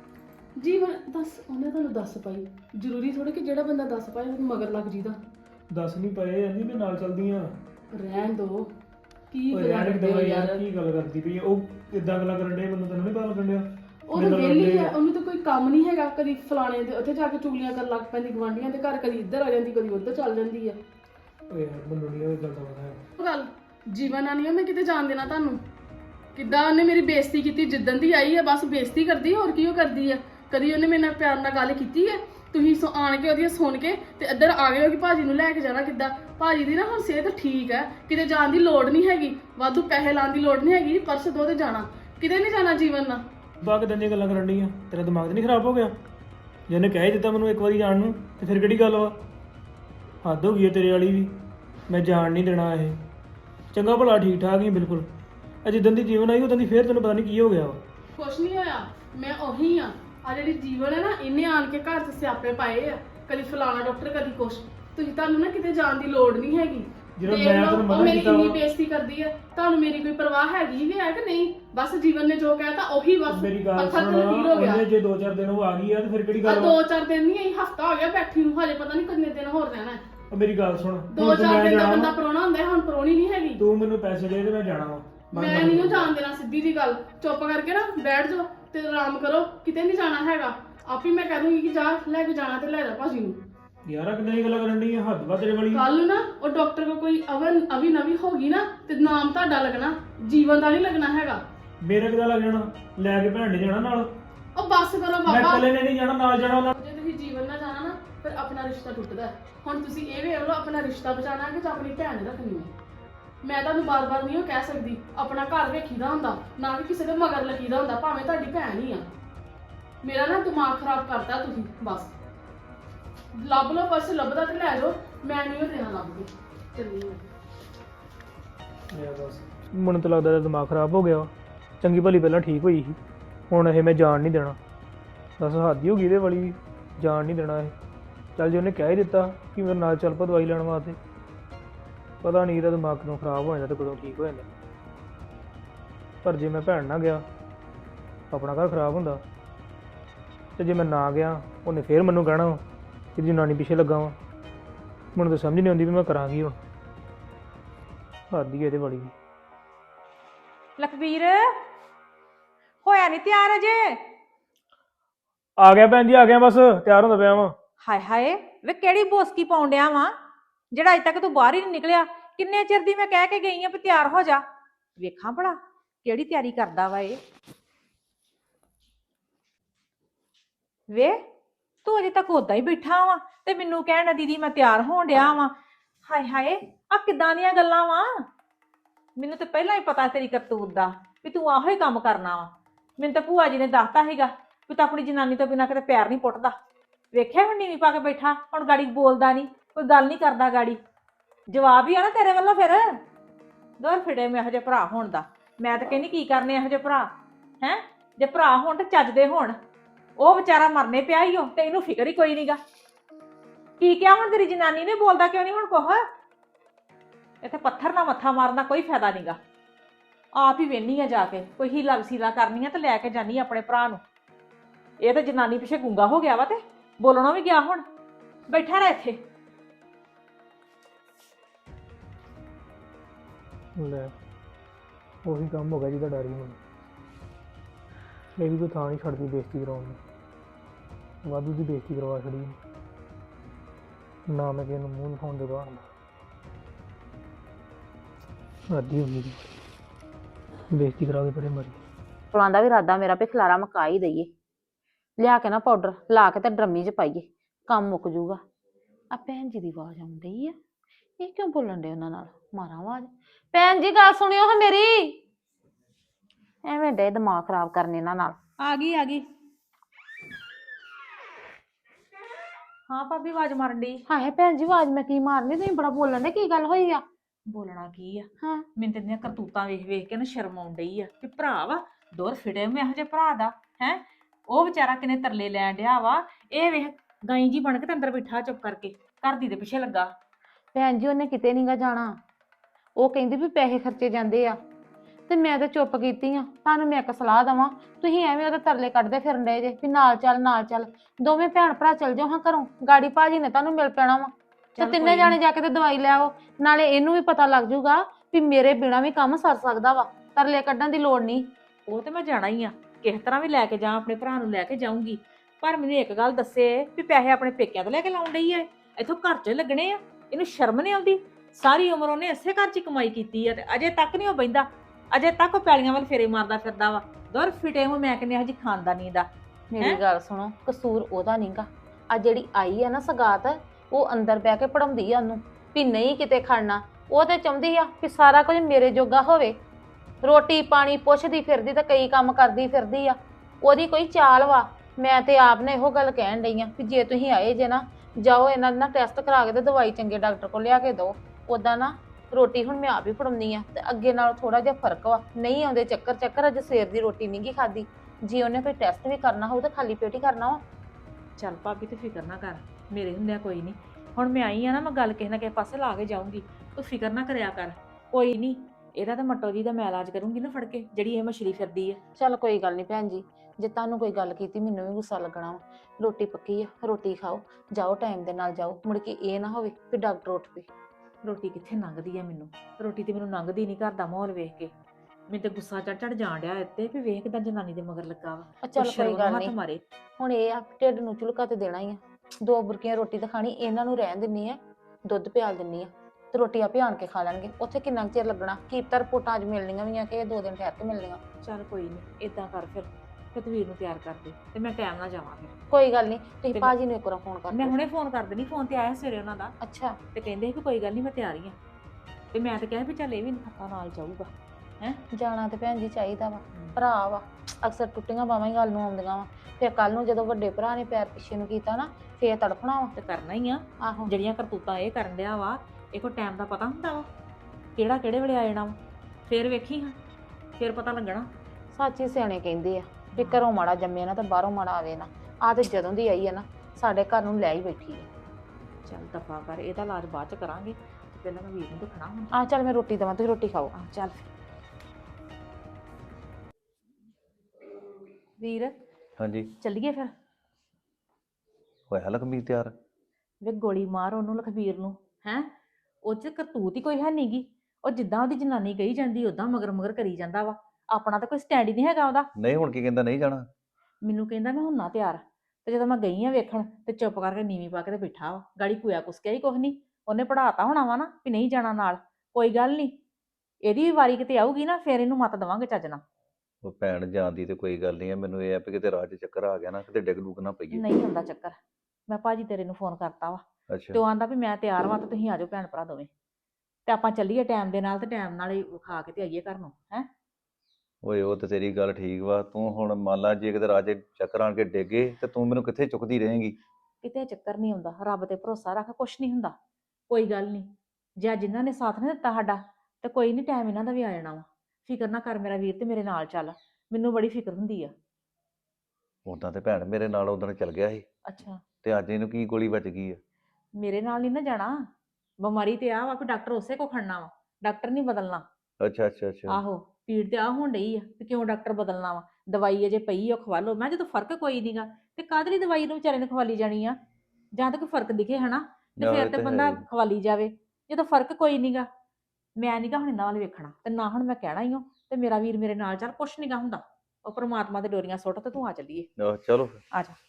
S4: ਜੀਵਨ ਦੱਸ, ਉਹਨੇ ਤੁਹਾਨੂੰ ਦੱਸ ਪਾਈ। ਜ਼ਰੂਰੀ ਥੋੜੀ ਕਿ ਜਿਹੜਾ ਬੰਦਾ ਦੱਸ ਪਾਏ ਉਹਨੂੰ ਮਗਰ ਲੱਗ ਜੀਦਾ।
S2: ਦੱਸ ਨਹੀਂ ਪਏ, ਕਹਿੰਦੀ ਮੈਂ ਨਾਲ ਚੱਲਦੀ ਆ।
S4: ਰਹਿਣ ਦੋ। ਕੀ
S2: ਉਹ
S4: ਗੱਲਾਂ
S2: ਯਾਰ
S4: ਕਰਦੇ ਹੋ
S2: ਦਵਾਈ
S4: ਯਾਰ?
S2: ਯਾਰ ਕੀ ਗੱਲ ਕਰਦੀ ਪਈ ਆ? ਉਹ ਕਿੱਦਾਂ ਗੱਲਾਂ ਕਰਨ ਡੇ, ਮੈਨੂੰ ਤੈਨੂੰ ਨਹੀਂ ਪਤਾ ਲੱਗਣ ਡਿਆ?
S4: ਉਹ ਤਾਂ ਵਿਹਲੀ ਆ, ਉਹਨੂੰ ਤਾਂ ਕੋਈ ਕੰਮ ਨਹੀਂ ਹੈਗਾ। ਕਦੀ ਫਲਾਣੇ ਦੇ ਉੱਥੇ ਜਾ ਕੇ ਚੁਗਲੀਆਂ ਕਰਨ ਲੱਗ ਪੈਂਦੀ ਗਵਾਂਢੀਆਂ ਦੇ ਘਰ, ਕਦੀ ਇੱਧਰ ਆ ਜਾਂਦੀ, ਕਦੀ ਉੱਧਰ ਚੱਲ ਜਾਂਦੀ ਆ।
S2: ਉਹ ਯਾਰ ਮੈਨੂੰ ਨਹੀਂ ਉਹ ਗੱਲ ਦਾ ਪਤਾ ਹੈ।
S4: ਉਹ ਗੱਲ ਜੀਵਨ ਆ, ਨਹੀਂ ਮੈਂ ਕਿਤੇ ਜਾਣ ਦੇਣਾ ਤੁਹਾਨੂੰ। ਕਿੱਦਾਂ ਉਹਨੇ ਮੇਰੀ ਬੇਇੱਜ਼ਤੀ ਕੀਤੀ ਜਿੱਦਣ ਦੀ ਆਈ ਆ, ਬਸ ਬੇਇੱਜ਼ਤੀ ਕਰਦੀ। ਹੋਰ ਕੀ ਉਹ ਕਰਦੀ ਆ? ਕਦੀ ਉਹਨੇ ਮੇਰੇ ਨਾਲ ਪਿਆਰ ਨਾਲ ਗੱਲ ਕੀਤੀ ਹੈ? ਤੁਸੀਂ ਆਣ ਕੇ ਉਹਦੀਆਂ ਸੁਣ ਕੇ ਤੇ ਇੱਧਰ ਆ ਗਏ ਹੋ ਕਿ ਭਾਜੀ ਨੂੰ ਲੈ ਕੇ ਜਾਣਾ। ਕਿੱਦਾਂ ਭਾਜੀ ਦੀ ਨਾ ਹੁਣ ਸਿਹਤ ਠੀਕ ਹੈ, ਕਿਤੇ ਜਾਣ ਦੀ ਲੋੜ ਨਹੀਂ ਹੈਗੀ, ਵਾਧੂ ਪੈਸੇ ਲਾਉਣ ਦੀ ਲੋੜ ਨਹੀਂ ਹੈਗੀ। ਪਰਸ ਦੋ ਤੇ ਜਾਣਾ, ਕਿਤੇ ਨਹੀਂ ਜਾਣਾ ਜੀਵਨ ਨਾਲ।
S2: ਬਾਕੀ ਦੀਆਂ ਗੱਲਾਂ ਕਰਨ ਡੀਆਂ, ਤੇਰਾ ਦਿਮਾਗ ਤਾਂ ਨਹੀਂ ਖਰਾਬ ਹੋ ਗਿਆ? ਜੇ ਉਹਨੇ ਕਹਿ ਹੀ ਦਿੱਤਾ ਮੈਨੂੰ ਇੱਕ ਵਾਰੀ ਜਾਣ ਨੂੰ, ਤੇ ਫਿਰ ਕਿਹੜੀ ਗੱਲ ਵਾ? ਹੱਦ ਹੋ ਗਈ ਹੈ ਤੇਰੇ ਵਾਲੀ ਵੀ। ਮੈਂ ਜਾਣ ਨਹੀਂ ਦੇਣਾ। ਇਹ ਚੰਗਾ ਭਲਾ ਠੀਕ ਠਾਕ ਹੀ ਬਿਲਕੁਲ। ਜਿੱਦਾਂ ਦੀ ਜੀਵਨ ਆਈ ਉਦੋਂ ਦੀ ਫੇਰ ਤੈਨੂੰ ਪਤਾ ਨਹੀਂ ਕੀ ਹੋ ਗਿਆ ਵਾ।
S4: ਕੁਛ ਨਹੀਂ ਹੋਇਆ, ਮੈਂ ਉਹੀ ਆ। ਆ ਜਿਹੜੀ ਜੀਵਨ ਹੈ ਨਾ, ਇਹਨੇ ਆਣ ਕੇ ਘਰ 'ਚ ਸਿਆਪੇ ਪਾਏ ਆ। ਕਦੀ ਫਲਾਣਾ ਡਾਕਟਰ, ਕਦੀ ਕੁਛ। ਤੁਹਾਨੂੰ ਨਾ ਕਿਤੇ ਜਾਣ ਦੀ ਲੋੜ ਨਹੀਂ ਹੈਗੀ।
S2: ਜਦੋਂ
S4: ਦੇਖ
S2: ਮੈਂ
S4: ਲਓ,
S2: ਤੈਨੂੰ
S4: ਉਹ
S2: ਮਨਾ
S4: ਮੇਰੀ
S2: ਕੀਤਾ
S4: ਇੰਨੀ
S2: ਵਾ।
S4: ਬੇਇੱਜ਼ਤੀ ਕਰਦੀ ਹੈ, ਤੁਹਾਨੂੰ ਮੇਰੀ ਕੋਈ ਪਰਵਾਹ ਹੈਗੀ ਵੀ ਹੈ ਕਿ ਨਹੀਂ? ਬਸ ਜੀਵਨ ਨੇ ਜੋ ਕਹਿਤਾ ਉਹੀ ਬਸ
S2: ਮੇਰੀ ਗੱਲ
S4: ਪੱਥਰ
S2: ਸੁਣ,
S4: ਤੇ ਲਕੀਰ ਹੋ ਗਿਆ।
S2: ਉਹਨੇ ਜੇ 2-4 ਦਿਨ ਉਹ ਆ ਗਈ ਆ ਤੇ ਫਿਰ ਕਿਹੜੀ
S4: ਆ
S2: ਗੱਲ ਵਾ?
S4: 2-4 ਦਿਨ ਨਹੀਂ, ਆਈ ਹਫਤਾ ਹੋ ਗਿਆ ਬੈਠੀ ਨੂੰ, ਹਜੇ ਪਤਾ ਨਹੀਂ ਕਿੰਨੇ ਦਿਨ ਹੋਰ ਰਹਿਣਾ ਹੈ।
S2: ਉਹ ਮੇਰੀ ਗੱਲ ਸੁਣ, ਹੁਣ ਤੂੰ
S4: 2-4
S2: ਮੈਂ
S4: ਦਿਨ ਦਾ
S2: ਜਾਣਾ
S4: ਬੰਦਾ
S2: ਵਾ।
S4: ਪਰੋਣਾ ਹੁੰਦਾ ਹੈ, ਹੁਣ ਪਰੋਣੀ ਨਹੀਂ ਹੈਗੀ।
S2: ਤੂੰ ਮੈਨੂੰ ਪੈਸੇ ਦੇ ਤੇ ਮੈਂ ਜਾਣਾ ਵਾ।
S4: ਮੈਂ ਨਹੀਂ ਉਹ ਜਾਣ ਦੇਣਾ। ਸਿੱਧੀ ਜੀ ਗੱਲ, ਚੁੱਪ ਕਰਕੇ ਨਾ ਬੈਠ ਜਾਓ ਤੇ ਆਰਾਮ ਕਰੋ, ਕਿਤੇ ਨਹੀਂ ਜਾਣਾ ਹੈਗਾ। ਆਪੇ ਮੈਂ ਕਹਿ ਦੂੰਗੀ ਕਿ ਜਾ ਲੈ ਕੇ ਜਾਣਾ ਤੇ ਲੈ ਜਾ ਭਾਜੀ ਨੂੰ।
S2: ਯਾਰ ਕਿੰਨੀ ਗੱਲਾਂ ਕਰਨ ਡਈ ਆ, ਹੱਦ ਵਾ ਤੇਰੇ ਵਾਲੀ।
S4: ਕੱਲ ਨਾ ਉਹ ਡਾਕਟਰ ਕੋ ਕੋਈ ਅਵੀ ਨਵੀ ਹੋ ਗਈ ਨਾ ਤੇ ਨਾਮ ਤੁਹਾਡਾ ਲੱਗਣਾ, ਜੀਵਨ ਦਾ ਨਹੀਂ ਲੱਗਣਾ ਹੈਗਾ।
S2: ਮੇਰੇ ਕਿਦਾਂ ਲੱਗ ਜਾਣਾ? ਲੈ ਕੇ ਭੈਣ ਨੇ ਜਾਣਾ ਨਾਲ।
S4: ਉਹ ਬੱਸ ਕਰੋ
S2: ਮੈਂ
S4: ਬਾਬਾ।
S2: ਇਕੱਲੇ ਨੇ ਨਹੀਂ ਜਾਣਾ, ਨਾਲ ਜਾਣਾ ਉਹਨਾਂ।
S4: ਜੇ ਤੁਸੀਂ ਜੀਵਨ ਨਾਲ ਜਾਣਾ ਨਾ, ਫਿਰ ਆਪਣਾ ਰਿਸ਼ਤਾ ਟੁੱਟਦਾ ਹੈ। ਹੁਣ ਤੁਸੀਂ ਇਹ ਵੇਖ ਲਓ, ਆਪਣਾ ਰਿਸ਼ਤਾ ਬਚਾਉਣਾ ਕਿ ਜਾਂ ਆਪਣੀ ਭੈਣ ਨੇ ਰੱਖਣੀ ਹੈ। ਮੈਂ ਤੁਹਾਨੂੰ ਬਾਰ-ਬਾਰ ਨਹੀਂ ਉਹ ਕਹਿ ਸਕਦੀ। ਆਪਣਾ ਘਰ ਵੇਖੀਦਾ ਹੁੰਦਾ, ਨਾ ਕਿ ਕਿਸੇ ਦੇ ਮਗਰ ਲੱਗੀਦਾ ਹੁੰਦਾ, ਭਾਵੇਂ ਤੁਹਾਡੀ ਭੈਣ ਹੀ ਆ। ਮੇਰਾ ਨਾ ਦਿਮਾਗ ਖਰਾਬ ਕਰਤਾ ਤੁਸੀਂ। ਬਸ ਲੱਭ ਲਓ ਪਰਸ, ਲੱਭਦਾ ਤੇ ਲੈ ਜਾਓ। ਮੈਂ ਨਹੀਂ ਉਹ ਦੇਣਾ ਲੱਭ ਕੇ। ਚੱਲੀ ਮੈਂ।
S2: ਬਸ ਮੈਨੂੰ ਤਾਂ ਲੱਗਦਾ ਦਿਮਾਗ ਖਰਾਬ ਹੋ ਗਿਆ ਵਾ। ਚੰਗੀ ਭਲੀ ਪਹਿਲਾਂ ਠੀਕ ਹੋਈ ਸੀ, ਹੁਣ ਇਹ ਮੈਂ ਜਾਣ ਨਹੀਂ ਦੇਣਾ। ਬਸ ਹੱਦ ਹੀ ਹੋ ਗਈ ਇਹਦੇ ਵਾਲੀ ਵੀ, ਜਾਣ ਨਹੀਂ ਦੇਣਾ ਇਹ। ਚੱਲ ਜੇ ਉਹਨੇ ਕਹਿ ਹੀ ਦਿੱਤਾ ਕਿ ਮੇਰੇ ਨਾਲ ਚੱਲ ਪਾ ਦਵਾਈ ਲੈਣ ਵਾਸਤੇ, ਪਤਾ ਨਹੀਂ ਇਹਦਾ ਦਿਮਾਗ ਕਦੋਂ ਖਰਾਬ ਹੋ ਜਾਂਦਾ ਤੇ ਕਦੋਂ ਠੀਕ ਹੋ ਜਾਂਦਾ। ਪਰ ਜੇ ਮੈਂ ਭੈਣ ਨਾ ਗਿਆ, ਆਪਣਾ ਘਰ ਖਰਾਬ ਹੁੰਦਾ। ਤੇ ਜੇ ਮੈਂ ਨਾ ਗਿਆ, ਉਹਨੇ ਫੇਰ ਮੈਨੂੰ ਕਹਿਣਾ ਵਾ ਕਿ ਜਨਾਨੀ ਪਿੱਛੇ ਲੱਗਾ ਵਾਂ। ਮੈਨੂੰ ਤਾਂ ਸਮਝ ਨਹੀਂ ਆਉਂਦੀ ਵੀ ਮੈਂ ਕਰਾਂਗੀ ਹੁਣ। ਹੱਦ ਹੀ ਇਹਦੇ ਵਾਲੀ ਵੀ।
S1: ਲਖਬੀਰ ਹੋਇਆ ਨਹੀਂ ਤਿਆਰ ਅਜੇ?
S2: ਆ ਗਿਆ ਭੈਣ ਜੀ, ਆ ਗਿਆ, ਬਸ ਤਿਆਰ ਹੁੰਦਾ ਪਿਆ ਵਾਂ।
S1: ਹਾਏ ਹਾਏ ਵੇ ਕਿਹੜੀ ਬੋਸਕੀ ਪਾਉਣ ਡਿਆ ਵਾਂ ਜਿਹੜਾ ਅਜੇ ਤੱਕ ਤੂੰ ਬਾਹਰ ਹੀ ਨਹੀਂ ਨਿਕਲਿਆ? ਕਿੰਨੇ ਚਿਰ ਦੀ ਮੈਂ ਕਹਿ ਕੇ ਗਈ ਆ ਵੀ ਤਿਆਰ ਹੋ ਜਾ। ਵੇਖਾਂ ਭਲਾ ਕਿਹੜੀ ਤਿਆਰੀ ਕਰਦਾ ਵਾ ਇਹ। ਵੇ ਤੂੰ ਅਜੇ ਤੱਕ ਉਦਾਂ ਹੀ ਬੈਠਾ ਵਾ ਤੇ ਮੈਨੂੰ ਕਹਿਣਾ ਦੀਦੀ ਮੈਂ ਤਿਆਰ ਹੋਣ ਡਿਆ ਵਾਂ। ਹਾਏ ਹਾਏ ਆ ਕਿੱਦਾਂ ਦੀਆਂ ਗੱਲਾਂ ਵਾ। ਮੈਨੂੰ ਤੇ ਪਹਿਲਾਂ ਹੀ ਪਤਾ ਤੇਰੀ ਕਰਤੂਤ ਦਾ ਵੀ ਤੂੰ ਆਹੋ ਹੀ ਕੰਮ ਕਰਨਾ ਵਾ। ਮੈਨੂੰ ਤਾਂ ਭੂਆ ਜੀ ਨੇ ਦੱਸਤਾ ਸੀਗਾ ਵੀ ਤੂੰ ਆਪਣੀ ਜਨਾਨੀ ਤੋਂ ਬਿਨਾਂ ਕਿਤੇ ਪੈਰ ਨਹੀਂ ਪੁੱਟਦਾ। ਵੇਖਿਆ ਹੁਣ ਨੀਵੀਂ ਪਾ ਕੇ ਬੈਠਾ, ਹੁਣ ਗਾੜੀ ਬੋਲਦਾ ਨਹੀਂ, ਕੋਈ ਗੱਲ ਨਹੀਂ ਕਰਦਾ ਗਾੜੀ। ਜਵਾਬ ਹੀ ਆ ਨਾ ਤੇਰੇ ਵੱਲੋਂ ਫਿਰ। ਦੋਰ ਫਿੜੇ ਮੈਂ ਇਹੋ ਜਿਹੇ ਭਰਾ ਹੋਣ ਦਾ। ਮੈਂ ਤਾਂ ਕਹਿੰਦੀ ਕੀ ਕਰਨੇ ਇਹੋ ਜਿਹੇ ਭਰਾ ਹੈ। ਜੇ ਭਰਾ ਹੋਣ ਤੇ ਚੱਜਦੇ ਹੋਣ। ਉਹ ਵਿਚਾਰਾ ਮਰਨੇ ਪਿਆ ਹੀ ਹੋ ਤੇ ਇਹਨੂੰ ਫਿਕਰ ਹੀ ਕੋਈ ਨਹੀਂਗਾ। ਕੀ ਕਿਹਾ ਹੁਣ ਤੇਰੀ ਜਨਾਨੀ ਨੇ, ਬੋਲਦਾ ਕਿਉਂ ਨਹੀਂ ਹੁਣ ਕੁਛ? ਇੱਥੇ ਪੱਥਰ ਨਾਲ ਮੱਥਾ ਮਾਰਨ ਦਾ ਕੋਈ ਫਾਇਦਾ ਨਹੀਂਗਾ। ਆਪ ਹੀ ਵੇਹਨੀ ਆ ਜਾ ਕੇ, ਕੋਈ ਹੀਲਾ ਵਸੀਲਾ ਕਰਨੀ ਆ ਤੇ ਲੈ ਕੇ ਜਾਨੀ ਆਪਣੇ ਭਰਾ ਨੂੰ। ਇਹ ਤਾਂ ਜਨਾਨੀ ਪਿੱਛੇ ਗੂੰਗਾ ਹੋ ਗਿਆ ਵਾ ਤੇ ਬੋਲਣਾ ਵੀ ਗਿਆ। ਹੁਣ ਬੈਠਾ ਰਹਿ ਇੱਥੇ।
S2: ਲੈ ਉਹੀ ਕੰਮ ਹੋ ਗਿਆ ਜਿਹਦਾ ਡਰ ਹੀ ਮੈਨੂੰ। ਮੇਰੀ ਕੋਈ ਥਾਂ ਨਹੀਂ ਛੱਡਦੀ ਬੇਇੱਜ਼ਤੀ ਕਰਾਉਣ ਨੂੰ। ਵਾਧੂ ਦੀ ਬੇਇੱਜ਼ਤੀ ਕਰਵਾ ਛੜੀ ਨਾ। ਮੈਂ ਕਿਸੇ ਨੂੰ ਮੂੰਹ ਦਿਖਾਉਣ ਦੇ ਬਾਹਰ ਆਦੀ ਹੋ ਗਈ ਬੇਇੱਜ਼ਤੀ ਕਰਾ ਕੇ ਪਰੇ ਮਰੀ।
S5: ਫਲਾਂ ਦਾ ਵੀ ਇਰਾਦਾ ਮੇਰਾ ਵੀ ਖਲਾਰਾ ਮਕਾ ਹੀ ਦਈਏ, ਲਿਆ ਕੇ ਨਾ ਪਾਊਡਰ ਲਾ ਕੇ ਤੇ ਡਰਮੀ 'ਚ ਪਾਈਏ, ਕੰਮ ਮੁੱਕ ਜੂਗਾ। ਆ ਭੈਣ ਜੀ ਦੀ ਆਵਾਜ਼ ਆਉਣ ਡਈ ਆ, ਇਹ ਕਿਉਂ ਬੋਲਣ ਡੇ ਉਹਨਾਂ ਨਾਲ? ਮਾਰਾਂ ਆਵਾਜ਼। ਭੈਣ ਜੀ ਗੱਲ ਸੁਣਿਓ ਹਾਂ ਮੇਰੀ। ਐਵੇਂ ਡੇ ਦਿਮਾਗ ਖਰਾਬ ਕਰਨ ਇਹਨਾਂ ਨਾਲ।
S1: ਆ ਗਈ ਆ ਗਈ। ਹਾਂ ਭਾਬੀ ਆਵਾਜ਼ ਮਾਰਨ ਡਈ।
S5: ਹਾਏ ਭੈਣ ਜੀ ਆਵਾਜ਼ ਮੈਂ ਕੀ ਮਾਰਨੀ, ਤੁਸੀਂ ਬੜਾ ਬੋਲਣ ਡੇ, ਕੀ ਗੱਲ ਹੋਈ ਆ?
S1: ਬੋਲਣਾ ਕੀ ਆ,
S5: ਹਾਂ
S1: ਮੈਨੂੰ ਤੇ ਇਹਦੀਆਂ ਕਰਤੂਤਾਂ ਵੇਖ ਵੇਖ ਕੇ ਨਾ ਸ਼ਰਮ ਆਉਣ ਡਈ ਆ ਵੀ ਭਰਾ ਵਾ ਦੋਰ ਫਿੜੇ ਮੈਂ ਇਹੋ ਜਿਹੇ ਭਰਾ ਦਾ ਹੈ। ਉਹ ਵਿਚਾਰਾ ਕਿਨੇ ਤਰਲੇ ਲੈਣ ਡਿਆ ਵਾ। ਇਹ ਵੇਖ ਗਾਈ ਜੀ ਬਣ ਕੇ ਤੇ ਅੰਦਰ ਬੈਠਾ ਚੁੱਪ ਕਰਕੇ, ਘਰ ਦੀ ਦੇ ਪਿੱਛੇ ਲੱਗਾ।
S5: ਭੈਣ ਜੀ ਉਹਨੇ ਕਿਤੇ ਨੀ ਗਾ ਜਾਣਾ। ਉਹ ਕਹਿੰਦੀ ਵੀ ਪੈਸੇ ਖਰਚੇ ਜਾਂਦੇ ਆ ਤੇ ਮੈਂ ਤਾਂ ਚੁੱਪ ਕੀਤੀ ਆ। ਤੁਹਾਨੂੰ ਮੈਂ ਇੱਕ ਸਲਾਹ ਦੇਵਾਂ, ਤੁਸੀਂ ਐਵੇਂ ਉਹਦੇ ਤਰਲੇ ਕੱਢਦੇ ਫਿਰਨ ਡਏ ਜੇ ਵੀ ਨਾਲ ਚੱਲ ਨਾਲ ਚੱਲ। ਦੋਵੇਂ ਭੈਣ ਭਰਾ ਚੱਲ ਜਾਓ ਹਾਂ ਘਰੋਂ, ਗਾੜੀ ਭਾਜੀ ਨੇ ਤੁਹਾਨੂੰ ਮਿਲ ਪੈਣਾ ਵਾ ਤੇ
S1: ਚੱਲ
S5: ਤਿੰਨੇ
S1: ਕੋਈ
S5: ਜਾਣੇ
S1: ਨੀ।
S5: ਜਾ ਕੇ ਤੇ ਦਵਾਈ ਲੈ ਆਓ। ਨਾਲੇ ਇਹਨੂੰ ਵੀ ਪਤਾ ਲੱਗ ਜਾਊਗਾ ਵੀ ਮੇਰੇ ਬਿਨਾਂ ਵੀ ਕੰਮ ਸਰ ਸਕਦਾ ਵਾ, ਤਰਲੇ ਕੱਢਣ ਦੀ ਲੋੜ ਨਹੀਂ।
S1: ਉਹ ਤੇ ਮੈਂ ਜਾਣਾ ਹੀ ਆ, ਕਿਸ ਤਰ੍ਹਾਂ ਵੀ ਲੈ ਕੇ ਜਾ, ਆਪਣੇ ਭਰਾ ਨੂੰ ਲੈ ਕੇ ਜਾਊਂਗੀ। ਪਰ ਮੈਨੂੰ ਇੱਕ ਗੱਲ ਦੱਸੇ ਵੀ ਪੈਸੇ ਆਪਣੇ ਪੇਕਿਆਂ ਤੋਂ ਲੈ ਕੇ ਲਾਉਣ ਡਈ ਆ, ਇੱਥੋਂ ਘਰ 'ਚ ਲੱਗਣੇ ਆ। ਇਹਨੂੰ ਸ਼ਰਮ ਨਹੀਂ ਆਉਂਦੀ? ਸਾਰੀ ਉਮਰ ਉਹਨੇ ਇਸੇ ਘਰ 'ਚ ਕਮਾਈ ਕੀਤੀ ਆ ਤੇ ਅਜੇ ਤੱਕ ਨਹੀਂ ਉਹ ਬਹਿੰਦਾ। ਅਜੇ ਤੱਕ ਉਹ ਪੈਲੀਆਂ ਵੱਲ ਫੇਰੇ ਮਾਰਦਾ ਫਿਰਦਾ ਵਾ। ਦਰ ਫਿਟੇ ਮੂੰਹ ਮੈਂ ਕਹਿੰਦੀ ਹਜੇ ਖਾਨਦਾਨੀ ਦਾ।
S5: ਮੇਰੀ
S1: ਹੈਂ?
S5: ਗੱਲ ਸੁਣੋ, ਕਸੂਰ ਉਹਦਾ ਨਹੀਂਗਾ। ਆ ਜਿਹੜੀ ਆਈ ਆ ਨਾ ਸਗਾਤ, ਉਹ ਅੰਦਰ ਬਹਿ ਕੇ ਪੜਾਉਂਦੀ ਆ ਉਹਨੂੰ ਵੀ ਨਹੀਂ ਕਿਤੇ ਖੜਨਾ। ਉਹ ਤੇ ਚਾਹੁੰਦੀ ਆ ਵੀ ਸਾਰਾ ਕੁਝ ਮੇਰੇ ਜੋਗਾ ਹੋਵੇ, ਰੋਟੀ ਪਾਣੀ ਪੁੱਛਦੀ ਫਿਰਦੀ ਤੇ ਕਈ ਕੰਮ ਕਰਦੀ ਫਿਰਦੀ ਆ। ਉਹਦੀ ਕੋਈ ਚਾਲ ਵਾ। ਮੈਂ ਤੇ ਆਪ ਨੇ ਇਹੋ ਗੱਲ ਕਹਿਣ ਡਈ ਆ ਵੀ ਜੇ ਤੁਸੀਂ ਆਏ ਜੇ ਨਾ, ਜਾਓ ਇਹਨਾਂ ਦਾ ਟੈਸਟ ਕਰਾ ਕੇ ਤੇ ਦਵਾਈ ਚੰਗੇ ਡਾਕਟਰ ਕੋਲ ਲਿਆ ਕੇ ਦਿਓ। ਉਦਾਂ ਨਾ ਰੋਟੀ ਹੁਣ ਮੈਂ ਆਪ ਹੀ ਫੜਾਉਣੀ ਆ ਤੇ ਅੱਗੇ ਨਾਲ ਥੋੜਾ ਜਿਹਾ ਫਰਕ ਵਾ। ਨਹੀਂ ਆਉਂਦੇ ਚੱਕਰ ਅੱਜ ਸਵੇਰ ਦੀ ਰੋਟੀ ਨਹੀਂ ਗੀ ਖਾਦੀ। ਜੇ ਉਹਨੇ ਕੋਈ ਟੈਸਟ ਵੀ ਕਰਨਾ ਹੋਊ ਤਾਂ ਖਾਲੀ ਪੇਟ ਹੀ ਕਰਨਾ ਵਾ।
S1: ਚੱਲ ਭਾਬੀ ਤੂੰ ਫਿਕਰ ਨਾ ਕਰ, ਮੇਰੇ ਹੁੰਦਿਆਂ ਕੋਈ ਨਹੀਂ। ਹੁਣ ਮੈਂ ਆਈ ਆ ਨਾ, ਮੈਂ ਗੱਲ ਕਿਸੇ ਨਾ ਕਿਸੇ ਪਾਸੇ ਲਾ ਕੇ ਜਾਊਂਗੀ। ਤੂੰ ਫਿਕਰ ਨਾ ਕਰਿਆ ਕਰ, ਕੋਈ ਨਹੀਂ। ਇਹਦਾ ਤਾਂ ਮੱਟੋ ਜੀ ਦਾ ਮੈਂ ਇਲਾਜ ਕਰੂੰਗੀ ਨਾ ਫੜ ਕੇ, ਜਿਹੜੀ ਇਹ ਮਛਲੀ ਫਿਰਦੀ ਆ।
S5: ਚੱਲ ਕੋਈ ਗੱਲ ਨਹੀਂ ਭੈਣ ਜੀ, ਜੇ ਤੁਹਾਨੂੰ ਕੋਈ ਗੱਲ ਕੀਤੀ ਮੈਨੂੰ ਵੀ ਗੁੱਸਾ ਲੱਗਣਾ ਵਾ। ਰੋਟੀ ਪੱਕੀ ਆ, ਰੋਟੀ ਖਾਓ, ਜਾਓ ਟਾਈਮ ਦੇ ਨਾਲ ਜਾਓ। ਮੁੜ ਕੇ ਇਹ ਨਾ ਹੋਵੇ ਕਿ ਡਾਕਟਰ ਉੱਠ ਪਏ।
S1: ਰੋਟੀ ਕਿੱਥੇ ਲੰਘਦੀ ਆ ਮੈਨੂੰ, ਰੋਟੀ ਤੇ ਮੈਨੂੰ ਲੰਘਦੀ ਨਹੀਂ। ਘਰ ਦਾ ਮਾਹੌਲ ਵੇਖ ਕੇ ਮੈਨੂੰ ਤੇ ਗੁੱਸਾ ਚੜ ਜਾਣ ਡਿਆ ਇੱਥੇ ਵੀ ਵੇਖ ਕਿਦਾਂ ਜਨਾਨੀ ਦੇ ਮਗਰ ਲੱਗਾ ਵਾ।
S5: ਚੱਲ
S1: ਸ਼ਰਮ
S5: ਕੋਈ
S1: ਨੂੰ
S5: ਗੱਲ
S1: ਹੱਥ
S5: ਨਹੀਂ,
S1: ਮਾਰੇ।
S5: ਹੁਣ ਇਹ ਆ ਢਿੱਡ ਨੂੰ ਝੁਲਕਾ ਤੇ ਦੇਣਾ ਹੀ ਆ। 2 ਬੁਰਕੀਆਂ ਰੋਟੀ ਤਾਂ ਖਾਣੀ, ਇਹਨਾਂ ਨੂੰ ਰਹਿਣ ਦਿੰਨੀ ਆ, ਦੁੱਧ ਪਿਆਲ ਦਿੰਨੀ ਆ ਤੇ ਰੋਟੀ ਆਪੇ ਆਣ ਕੇ ਖਾ ਲੈਣਗੇ। ਉੱਥੇ ਕਿੰਨਾ ਕੁ ਚਿਰ ਲੱਗਣਾ? ਕੀਪਤਾ ਰਿਪੋਰਟਾਂ ਅੱਜ ਮਿਲਣੀਆਂ ਵੀ ਆ ਕਿ 2 ਦਿਨ ਠਹਿਰ ਕੇ ਮਿਲਣੀਆਂ।
S1: ਚੱਲ ਕੋਈ ਨਹੀਂ, ਇਦਾਂ ਕਰ ਫਿਰ ਵੀਰ ਨੂੰ ਤਿਆਰ ਕਰ ਦੇ ਤੇ ਮੈਂ ਟਾਈਮ ਨਾਲ ਜਾਵਾਂ। ਫਿਰ
S5: ਕੋਈ ਗੱਲ ਨਹੀਂ, ਤੁਸੀਂ
S1: ਤੇ
S5: ਭਾਜੀ ਨੂੰ ਇੱਕ ਵਾਰ ਫੋਨ ਕਰ
S1: ਮੈਂ
S5: ਦਿਓ।
S1: ਹੁਣੇ ਫੋਨ ਕਰ ਦੇਣੀ। ਫੋਨ ਤੇ ਆਇਆ ਸਵੇਰੇ ਉਹਨਾਂ ਦਾ
S5: ਅੱਛਾ
S1: ਤੇ ਕਹਿੰਦੇ ਸੀ ਕਿ ਕੋਈ ਗੱਲ ਨਹੀਂ ਮੈਂ ਤਿਆਰ ਹੀ ਆ। ਤੇ ਮੈਂ ਤਾਂ ਕਿਹਾ ਵੀ ਚੱਲ ਇਹ ਵੀ ਹੱਥਾਂ ਨਾਲ ਜਾਊਗਾ।
S5: ਜਾਣਾ ਤੇ ਭੈਣ ਜੀ ਚਾਹੀਦਾ ਵਾ, ਭਰਾ ਵਾ। ਅਕਸਰ ਟੁੱਟੀਆਂ ਬਾਵਾਂ ਹੀ ਗੱਲ ਨੂੰ ਆਉਂਦੀਆਂ ਵਾ। ਫਿਰ ਕੱਲ ਨੂੰ ਜਦੋਂ ਵੱਡੇ ਭਰਾ ਨੇ ਪੈਰ ਪਿੱਛੇ ਨੂੰ ਕੀਤਾ ਨਾ, ਫੇਰ ਤੜਫਣਾ ਵਾ।
S1: ਤੇ ਕਰਨਾ ਹੀ ਆ।
S5: ਆਹੋ
S1: ਜਿਹੜੀਆਂ ਕਰਤੂਤਾਂ ਇਹ ਕਰਨ ਡਿਆ ਵਾ, ਇਹ ਕੋ ਟਾਈਮ ਦਾ ਪਤਾ ਹੁੰਦਾ ਵਾ ਕਿਹੜਾ ਕਿਹੜੇ ਵੇਲੇ ਆ ਜਾਣਾ ਵਾ। ਫੇਰ ਵੇਖੀ ਹਾਂ, ਫੇਰ ਪਤਾ ਲੱਗਣਾ।
S5: ਸੱਚੀ ਸਿਆਣੇ ਕਹਿੰਦੇ ਆ ਵੀ ਘਰੋਂ ਮਾੜਾ ਜੰਮੇ ਨਾ ਤੇ ਬਾਹਰੋਂ ਮਾੜਾ ਆਵੇ ਨਾ। ਆ ਤੇ ਜਦੋਂ ਦੀ ਆਈ ਆ ਨਾ, ਸਾਡੇ ਘਰ ਨੂੰ ਲੈ ਹੀ ਬੈਠੀ ਆ।
S1: ਚੱਲ ਦਫਾ ਕਰ, ਇਹਦਾ ਇਲਾਜ ਬਾਅਦ ਚ ਕਰਾਂਗੇ। ਪਹਿਲਾਂ ਮੈਂ ਵੀਰ ਨੂੰ ਦਿਖਣਾ ਹੁਣ।
S5: ਆ ਚੱਲ ਮੈਂ ਰੋਟੀ ਦੇਵਾਂ, ਤੁਸੀਂ ਰੋਟੀ ਖਾਓ।
S1: ਚੱਲ ਵੀਰ
S6: ਹਾਂਜੀ
S1: ਚੱਲੀਏ ਫਿਰ।
S6: ਹੋਇਆ ਲਖਮੀਰ ਤਿਆਰ?
S1: ਵੇ ਗੋਲੀ ਮਾਰ ਉਹਨੂੰ, ਲਖਬੀਰ ਨੂੰ। ਹੈ ਉਹ ਚ ਕਰਤੂਤ ਹੀ ਕੋਈ ਹੈ ਨੀਗੀ। ਉਹ ਜਿੱਦਾਂ ਉਹਦੀ ਜਨਾਨੀ ਕਹੀ ਜਾਂਦੀ ਉਦਾਂ ਮਗਰ ਮਗਰ ਕਰੀ ਜਾਂਦਾ ਵਾ। ਆਪਣਾ ਤਾਂ ਕੋਈ ਸਟੈਂਡ ਹੀ ਨਹੀਂ ਹੈਗਾ ਉਹਦਾ।
S6: ਨਹੀਂ ਹੁਣ ਕੀ ਕਹਿੰਦਾ, ਨਹੀਂ ਜਾਣਾ?
S1: ਮੈਨੂੰ ਕਹਿੰਦਾ ਮੈਂ ਹੁਣ ਨਾ ਤਿਆਰ। ਤੇ ਜਦੋਂ ਮੈਂ ਗਈ ਆ ਵੇਖਣ ਤੇ ਚੁੱਪ ਕਰਕੇ ਨੀਵੀਂ ਪਾ ਕੇ ਤੇ ਬੈਠਾ ਵਾ। ਗਾੜੀ ਕੁਆ ਕੁਸਕਿਆ ਹੀ ਕੁਛ ਨਹੀਂ। ਉਹਨੇ ਪੜਾਤਾ ਹੋਣਾ ਵਾ ਨਾ ਵੀ ਨਹੀਂ ਜਾਣਾ ਨਾਲ। ਕੋਈ ਗੱਲ ਨਹੀਂ, ਇਹਦੀ ਵੀ ਵਾਰੀ ਕਿਤੇ ਆਊਗੀ ਨਾ, ਫੇਰ ਇਹਨੂੰ ਮੱਤ ਦੇਵਾਂਗੇ ਚੱਜ ਨਾਲ।
S6: ਉਹ ਭੈਣ ਜਾਂਦੀ ਤੇ ਕੋਈ ਗੱਲ ਨਹੀਂ ਆ, ਮੈਨੂੰ ਇਹ ਆ ਵੀ ਕਿਤੇ ਰਾਹ 'ਚ ਚੱਕਰ ਆ ਗਿਆ ਨਾ, ਕਿਤੇ ਡਿੱਗ ਡੁੱਗ ਨਾ ਪਈਏ।
S5: ਨਹੀਂ ਹੁੰਦਾ ਚੱਕਰ। ਮੈਂ ਭਾਜੀ ਤੇਰੇ ਨੂੰ ਫੋਨ ਕਰਤਾ ਵਾ
S6: ਅੱਛਾ
S5: ਤੇ ਉਹ ਆਂਦਾ ਵੀ ਮੈਂ ਤਿਆਰ ਵਾਂ ਤੇ ਤੁਸੀਂ ਆ ਜਾਓ ਭੈਣ ਭਰਾ ਦੋਵੇਂ ਤੇ ਆਪਾਂ ਚੱਲੀਏ ਟਾਈਮ ਦੇ ਨਾਲ ਤੇ ਟਾਈਮ ਨਾਲ ਹੀ ਖਾ ਕੇ ਤੇ ਆਈਏ ਘਰ ਨੂੰ ਹੈ।
S6: ਓਏ ਉਹ ਤੇ ਤੇਰੀ ਗੱਲ ਠੀਕ ਵਾ, ਤੂੰ ਹੁਣ ਮੰਨ ਲਾ ਜੇ ਕਿਤੇ ਰਾਹ 'ਚ ਚੱਕਰ ਆਣ ਕੇ ਡਿੱਗੇ ਤੇ ਤੂੰ ਮੈਨੂੰ ਕਿੱਥੇ ਚੁੱਕਦੀ ਰਹੇਂਗੀ।
S5: ਕਿਤੇ ਚੱਕਰ ਨਹੀਂ ਹੁੰਦਾ, ਰੱਬ ਤੇ ਭਰੋਸਾ ਰੱਖ, ਕੁਛ ਨਹੀਂ ਹੁੰਦਾ, ਕੋਈ ਗੱਲ ਨਹੀਂ। ਜੇ ਅੱਜ ਜਿਨ੍ਹਾਂ ਨੇ ਸਾਥ ਨਹੀਂ ਦਿੱਤਾ ਸਾਡਾ ਤੇ ਕੋਈ ਨਹੀਂ, ਟਾਈਮ ਇਹਨਾਂ ਦਾ ਵੀ ਆ ਜਾਣਾ ਵਾ। ਫਿਕਰ ਨਾ ਕਰ ਮੇਰਾ ਵੀਰ ਤੇ ਮੇਰੇ ਨਾਲ ਚੱਲ, ਮੈਨੂੰ ਬੜੀ ਫਿਕਰ ਹੁੰਦੀ ਆ।
S6: ਉਦਾਂ ਤੇ ਭੈਣ ਮੇਰੇ ਨਾਲ ਉਦਣ ਚੱਲ ਗਿਆ ਸੀ
S5: ਅੱਛਾ,
S6: ਤੇ ਅੱਜ ਇਹਨੂੰ ਕੀ ਗੋਲੀ ਵੱਜ ਗਈ ਆ।
S5: ਮੇਰੇ ਨਾਲ ਨਹੀਂ ਨਾ ਜਾਣਾ, ਬਿਮਾਰੀ ਤੇ ਆ ਵਾ ਕਿ ਡਾਕਟਰ ਉਸੇ ਕੋ ਖੜਨਾ ਵਾ, ਡਾਕਟਰ ਨਹੀਂ ਬਦਲਣਾ।
S6: ਅੱਛਾ ਅੱਛਾ ਅੱਛਾ।
S5: ਆਹੋ, ਪੀੜ ਤੇ ਆ ਹੋਣ ਡਈ ਆ ਤੇ ਕਿਉਂ ਡਾਕਟਰ ਬਦਲਣਾ ਵਾ, ਦਵਾਈ ਅਜੇ ਪਈ ਆ, ਉਹ ਖਵਾ ਲਓ। ਮੈਂ ਜਦੋਂ ਫਰਕ ਕੋਈ ਨਹੀਂਗਾ ਤੇ ਕਾਹਦੇ ਲਈ ਦਵਾਈ ਨੂੰ ਵਿਚਾਰੇ ਨੂੰ ਖਵਾਲੀ ਜਾਣੀ ਆ, ਜਾਂ ਤੱਕ ਫਰਕ ਦਿਖੇ ਹਨਾ ਤੇ
S6: ਆਹੋ,
S5: ਫਿਰ
S6: ਇਹ
S5: ਤੇ
S6: ਤਾਂ
S5: ਬੰਦਾ
S6: ਹੈ ਹੀ।
S5: ਖਵਾਲੀ ਜਾਵੇ। ਜਦੋਂ ਫਰਕ ਕੋਈ ਨਹੀਂਗਾ, ਮੈਂ ਨਹੀਂਗਾ ਹੁਣ ਇਹਨਾਂ ਵੱਲ ਵੇਖਣਾ ਤੇ ਨਾ ਹੁਣ ਮੈਂ ਕਹਿਣਾ ਹੀ ਹਾਂ ਤੇ ਮੇਰਾ ਵੀਰ ਮੇਰੇ ਨਾਲ ਚੱਲ, ਕੁਛ ਨਹੀਂਗਾ ਹੁੰਦਾ। ਉਹ ਪ੍ਰਮਾਤਮਾ ਦੇ ਡੋਰੀਆਂ ਸੁੱਟ ਤੇ ਤੂੰ ਆ ਚੱਲੀਏ।
S6: ਆਹੋ, ਚਲੋ ਫਿਰ।
S5: ਆ ਜਾ।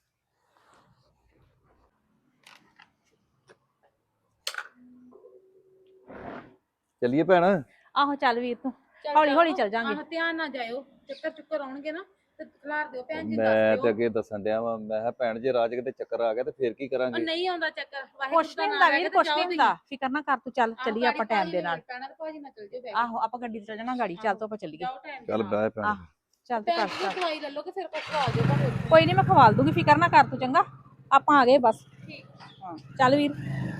S6: ਚੱਲੀਏ ਭੈਣ।
S5: ਆਹੋ ਚੱਲ ਵੀਰ, ਤੂੰ ਹੌਲੀ ਹੌਲੀ ਚੱਲ ਜਾਾਂਗੇ।
S1: ਆਹ ਧਿਆਨ ਨਾਲ ਜਾਇਓ, ਚੱਕਰ ਚੁੱਕਰ ਆਉਣਗੇ ਨਾ ਤੇ ਖਿਲਾਰ ਦਿਓ ਭੈਣ ਜੀ,
S6: ਮੈਂ
S1: ਦੱਸ
S6: ਤੇ
S1: ਦਿਓ।
S6: ਅੱਗੇ ਦੱਸਣ ਡਿਆ ਵਾਂ, ਮੈਂ ਕਿਹਾ ਭੈਣ ਜੇ ਰਾਹ 'ਚ ਕਿਤੇ ਚੱਕਰ ਆ ਗਿਆ ਤੇ ਫੇਰ ਕੀ
S1: ਉਹ
S6: ਕਰਾਂਗੇ।
S1: ਨਹੀਂ ਆਉਂਦਾ ਚੱਕਰ,
S5: ਕੁਛ ਨਹੀਂ ਹੁੰਦਾ ਵੀਰ, ਕੁਛ ਨਹੀਂ ਹੁੰਦਾ, ਫਿਕਰ ਨਾ ਕਰ ਤੂੰ, ਚੱਲ ਚੱਲੀਏ ਆਪਾਂ ਟਾਈਮ ਦੇ ਨਾਲ।
S1: ਪੈਣਾ ਤੇ ਭਾਜੀ ਨਾਲ ਚੱਲ ਜਿਓ।
S5: ਆਹੋ, ਆਪਾਂ ਗੱਡੀ ਤੇ ਚੱਲ ਜਾਣਾ, ਗਾੜੀ ਚੱਲ ਤੋਂ ਆਪਾਂ ਚੱਲੀਏ।
S1: ਜਾਓ ਟਾਈਮ
S6: ਚੱਲ ਬਹਿ ਭੈਣ।
S5: ਆਹ, ਚੱਲ ਤੂੰ
S1: ਭੈਣ
S5: ਕਰ
S1: ਜੀ
S5: ਚੱਲ।
S1: ਦਵਾਈ ਲੈ ਲਓ ਕਿ ਫਿਰ ਕੁਝ ਖਾ ਜਾਓ ਭਾਵੇਂ।
S5: ਕੋਈ ਨਹੀਂ, ਮੈਂ ਖਵਾਲ ਦੂੰਗੀ, ਫਿਕਰ ਨਾ ਕਰ ਤੂੰ, ਚੰਗਾ। ਆਪਾਂ ਆ ਗਏ ਬਸ।
S1: ਠੀਕ।
S5: ਹਾਂ ਚੱਲ ਵੀਰ।